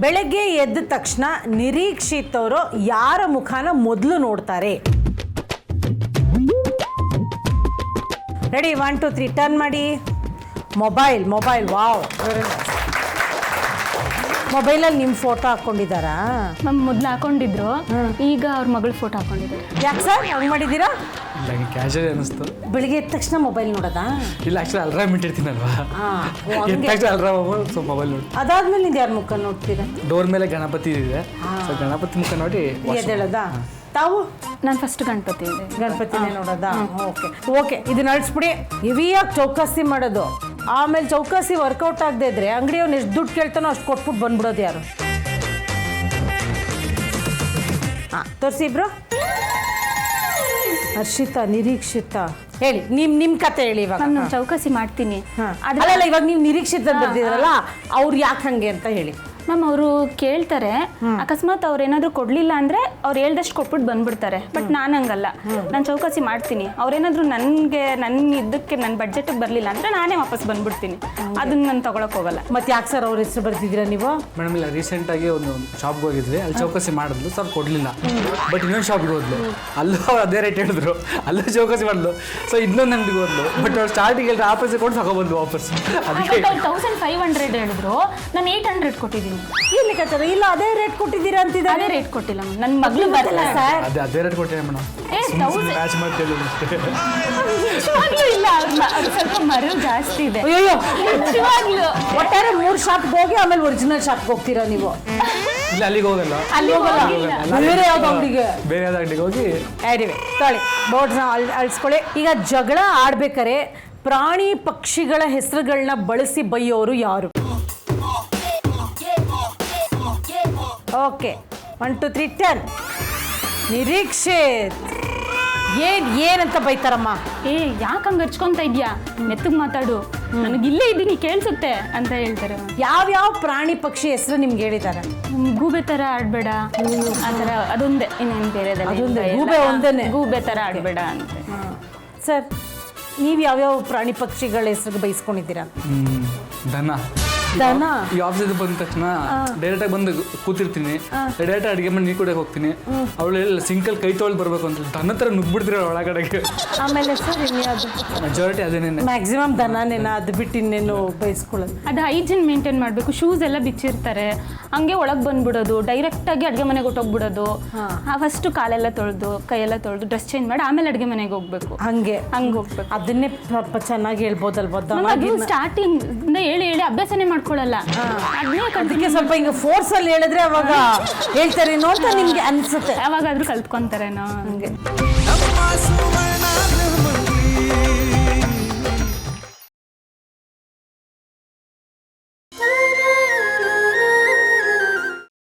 ಬೆಳಗ್ಗೆ ಎದ್ದ ತಕ್ಷಣ ನಿರೀಕ್ಷಿತ್ ಅವರು ಯಾರ ಮುಖಾನ ಮೊದಲು ನೋಡ್ತಾರೆ? ರೆಡಿ 1 2 3 ಟರ್ನ್ ಮಾಡಿ. ಮೊಬೈಲ್ ವಾವ್, ಮೊಬೈಲಲ್ಲಿ ನಿಮ್ಮ ಫೋಟೋ ಹಾಕ್ಕೊಂಡಿದ್ದಾರಾ? ಮ್ಯಾಮ್ ಮೊದಲು ಹಾಕೊಂಡಿದ್ರು, ಈಗ ಅವ್ರ ಮಗಳ ಫೋಟೋ ಹಾಕೊಂಡಿದ್ದಾರೆ. ಯಾಕೆ ಸರ್ ಹಂಗೆ ಮಾಡಿದ್ದೀರಾ? ಇಲ್ಲ ಕ್ಯಾಶುವಲ್ ಅನಿಸ್ತು. ಬೆಳಿಗ್ಗೆ ಎದ್ದ ತಕ್ಷಣ ಮೊಬೈಲ್ ನೋಡೋದಾ? ಇಲ್ಲ ಆ್ಯಕ್ಚುಲಿ ಅಲ್ರಾಮ್ ಇಟ್ಟಿರ್ತೀನಲ್ವಾ, ಎದ್ದ ತಕ್ಷಣ ಅಲ್ರಾಮ್ ಸೊ ಮೊಬೈಲ್ ನೋಡಿ. ಅದಾದ್ಮೇಲೆ ನೀವು ಯಾರ ಮುಖ ನೋಡ್ತೀರಾ? ಡೋರ್ ಮೇಲೆ ಗಣಪತಿ ಇದೆ, ಸೊ ಗಣಪತಿ ಮುಖ ನೋಡಿ ಎದ್ದೇಳೋದಾ? ತಾವು? ನಾನು ಫಸ್ಟ್ ಗಣಪತಿ ಇದೆ. ಗಣಪತಿನೇ ನೋಡೋದಾ? ಓಕೆ ಇದನ್ನ ಅಳಿಸ್ಬಿಡಿ. ಹೆವಿಯಾಗಿ ಚೌಕಾಸಿ ಮಾಡೋದು, ಆಮೇಲೆ ಚೌಕಾಸಿ ವರ್ಕೌಟ್ ಆಗದೆ ಇದ್ರೆ ಅಂಗಡಿಯವ್ನು ಎಷ್ಟು ದುಡ್ಡು ಕೇಳ್ತಾನೋ ಅಷ್ಟು ಕೊಟ್ಬಿಟ್ಟು ಬಂದ್ಬಿಡೋದು ಯಾರು? ಹಾಂ ತೋರಿಸಿ ಇಬ್ರು. ಹರ್ಷಿತಾ, ನಿರೀಕ್ಷಿತ, ಹೇಳಿ ನಿಮ್ಮ ಕತೆ ಹೇಳಿ ಇವಾಗ. ನಾನು ಚೌಕಾಸಿ ಮಾಡ್ತೀನಿ. ಅಲ್ಲ ಇವಾಗ ನೀವು ನಿರೀಕ್ಷಿತ ಬರ್ದಿದ್ರಲ್ಲ, ಅವ್ರು ಯಾಕೆ ಹಂಗೆ ಅಂತ ಹೇಳಿ. ಮ್ಯಾಮ್ ಅವರು ಕೇಳ್ತಾರೆ, ಅಕಸ್ಮಾತ್ ಅವ್ರು ಏನಾದರೂ ಕೊಡಲಿಲ್ಲ ಅಂದರೆ ಅವ್ರು ಹೇಳ್ದಷ್ಟು ಕೊಟ್ಬಿಟ್ಟು ಬಂದ್ಬಿಡ್ತಾರೆ. ಬಟ್ ನಾನು ಹಂಗಲ್ಲ, ನಾನು ಚೌಕಾಸಿ ಮಾಡ್ತೀನಿ. ಅವ್ರೇನಾದರೂ ನನ್ನ ಇದಕ್ಕೆ ನನ್ನ ಬಡ್ಜೆಟಿಗೆ ಬರಲಿಲ್ಲ ಅಂದರೆ ನಾನೇ ವಾಪಸ್ ಬಂದ್ಬಿಡ್ತೀನಿ. ಅದನ್ನ ನಾನು ತೊಗೊಳಕ್ಕೆ ಹೋಗಲ್ಲ. ಮತ್ತೆ ಯಾಕೆ ಸರ್ ಅವ್ರ ಹೆಸರು ಬರ್ತಿದ್ದೀರಾ ನೀವು? ಮೇಡಮ್ ಇಲ್ಲ, ರೀಸೆಂಟಾಗಿ ಒಂದು ಶಾಪ್ಗೆ ಹೋಗಿದ್ವಿ, ಅಲ್ಲಿ ಚೌಕಾಸಿ ಮಾಡಿದ್ಲು, ಸರ್ ಕೊಡಲಿಲ್ಲ. ಬಟ್ ಇನ್ನೊಂದು ಶಾಪ್ಗೆ ಹೋದ್ಲು, ಅಲ್ಲೂ ಅದೇ ರೇಟ್ ಹೇಳಿದ್ರು, ಅಲ್ಲೂ ಚೌಕಾಸಿ ಮಾಡಿದ್ಲು. ಸೊ ಇನ್ನೊಂದು ಅಂಗಡಿಗೆ ಹೋದ್ಲು, ಬಟ್ ಅವ್ರು ಸ್ಟಾರ್ಟಿಂಗ್ ಹೇಳಿದ್ರೆ ಆ ಪೈಸೆ ಕೊಟ್ಟು ತಗೊಬಂದು ವಾಪಸ್. ಅದಕ್ಕೆ 1500 ಹೇಳಿದ್ರು, ನಾನು 800 ಕೊಟ್ಟಿದ್ದೀನಿ. ಇಲ್ಲಿ ಕಚ್ಚರ ಇಲ್ಲ, ಅದೇ ರೇಟ್ ಕೊಟ್ಟಿದ್ದೀರಾ ಅಂತಿದ್ದಾರೆ. ಅದೇ ರೇಟ್ ಕೊಟ್ಟಿಲ್ಲ ಮ್ಯಾಮ್, ನನ್ನ ಮಗಳು ಬರಲ್ಲ ಸರ್. ಅದೇ ರೇಟ್ ಕೊಟ್ಟಿಲ್ಲ ಮೇಡಮ್, ಮ್ಯಾಚ್ ಮಾಡ್ತಿಲ್ಲ ಅಷ್ಟೇ. ಇಲ್ಲ, ಅವ್ರು ಸ್ವಲ್ಪ ಮರು ಜಾಸ್ತಿ ಇದೆ. ಅಯ್ಯೋ, ನಿಜವಾಗ್ಲೂ ಒಟ್ಟಾರೆ 3 ಶಾಪ್ಗೆ ಹೋಗಿ ಆಮೇಲೆ ಒರಿಜಿನಲ್ ಶಾಪ್ಗೆ ಹೋಗ್ತೀರಾ ನೀವು? ಇಲ್ಲ ಅಲ್ಲಿಗೆ ಹೋಗಲ್ಲ, ಬೇರೆ ಯಾವ್ದು ಅಂಗಡಿಗೆ? ಬೇರೆ ಯಾವ್ದು ಅಂಗಡಿಗೆ ಹೋಗಿ ತೊಳಿ ಬೋರ್ಡ್ನ ಅಳಿಸ್ಕೊಳ್ಳಿ. ಈಗ ಜಗಳ ಆಡ್ಬೇಕಾರೆ ಪ್ರಾಣಿ ಪಕ್ಷಿಗಳ ಹೆಸರುಗಳನ್ನ ಬಳಸಿ ಬೈಯೋರು ಯಾರು? Okay 1 2 3 turn. ನಿರೀಕ್ಷಿತ್, ಏನಂತ ಬೈತಾರಮ್ಮ? ಯಾಕೆ ಹಂಗೆ ಹಚ್ಕೊಂತ ಇದ್ಯಾ, ಮೆತ್ತಗೆ ಮಾತಾಡು, ನನಗಿಲ್ಲೇ ಇದ್ದೀನಿ ಕೇಳಿಸುತ್ತೆ ಅಂತ ಹೇಳ್ತಾರೆ. ಯಾವ್ಯಾವ ಪ್ರಾಣಿ ಪಕ್ಷಿ ಹೆಸರು ನಿಮ್ಗೆ ಹೇಳಿದ್ದಾರೆ? ಗೂಬೆ ಥರ ಆಡಬೇಡ ಆ ಥರ, ಅದೊಂದೇ, ಇನ್ನೇನು ಬೇರೆದಲ್ಲ. ಗೂಬೆ ಒಂದೇನೆ, ಗೂಬೆ ಥರ ಆಡಬೇಡ ಅಂತ. ಸರ್ ನೀವು ಯಾವ್ಯಾವ ಪ್ರಾಣಿ ಪಕ್ಷಿಗಳ ಹೆಸರು ಬೈಸ್ಕೊಂಡಿದ್ದೀರಾ? ದನ. ಈ ಆಫೀಸಿಂದ ಬಂದ ತಕ್ಷಣ ಡೈರೆಕ್ಟಾಗಿ ಬಂದು ಕೂತಿರ್ತೀನಿ, ಡೈರೆಕ್ಟ್ ಅಡುಗೆ ಮಾಡಿ ನೀರು ಕುಡಿಯೋಕೆ ಹೋಗ್ತೀನಿ. ಅವಳು ಸಿಂಕಲ್ ಕೈ ತೊಳ್ದು ಬರಬೇಕು ಅಂತ ದನ ಥರ ನುಗ್ಬಿಡ್ತೀರ ಒಳಗಡೆಗೆ. ಆಮೇಲೆ ಸರ್ ಇನ್ಯಾವುದು? ಮೆಜಾರಿಟಿ ಅದೇನೇನೆ, ಮ್ಯಾಕ್ಸಿಮಮ್ ದನನೇನ, ಅದು ಬಿಟ್ಟು ಇನ್ನೇನು ಬೈಸ್ಕೊಳ್ಳೋದು? ಅದು ಹೈಜಿನ್ ಮೇಂಟೈನ್ ಮಾಡಬೇಕು. ಶೂಸ್ ಎಲ್ಲ ಬಿಚ್ಚಿರ್ತಾರೆ, ಹಂಗೆ ಒಳಗೆ ಬಂದ್ಬಿಡೋದು, ಡೈರೆಕ್ಟಾಗಿ ಅಡುಗೆ ಮನೆಗೆ ಹೊಟ್ಟೋಗ್ಬಿಡೋದು. ಫಸ್ಟು ಕಾಲೆಲ್ಲ ತೊಳೆದು ಕೈಯೆಲ್ಲ ತೊಳೆದು ಡ್ರೆಸ್ ಚೇಂಜ್ ಮಾಡಿ ಆಮೇಲೆ ಅಡುಗೆ ಮನೆಗೆ ಹೋಗ್ಬೇಕು. ಹಂಗೆ ಹೋಗ್ಬೇಕು. ಅದನ್ನೇ ಸ್ವಲ್ಪ ಚೆನ್ನಾಗಿ ಹೇಳ್ಬೋದಲ್ವ? ಸ್ಟಾರ್ಟಿಂಗ್ ಹೇಳಿ ಅಭ್ಯಾಸನೇ ಮಾಡ್ಕೊಳ್ಳಲ್ಲ. ಅದಕ್ಕೆ ಸ್ವಲ್ಪ ಹಿಂಗೆ ಫೋರ್ಸ್ ಅಲ್ಲಿ ಹೇಳಿದ್ರೆ ಅವಾಗ ಹೇಳ್ತಾರೇನೋ ಅಂತ ನಿಮ್ಗೆ ಅನ್ಸುತ್ತೆ. ಯಾವಾಗಾದ್ರೂ ಕಲ್ತ್ಕೊಂತಾರೇನೋ ಹಂಗೆ.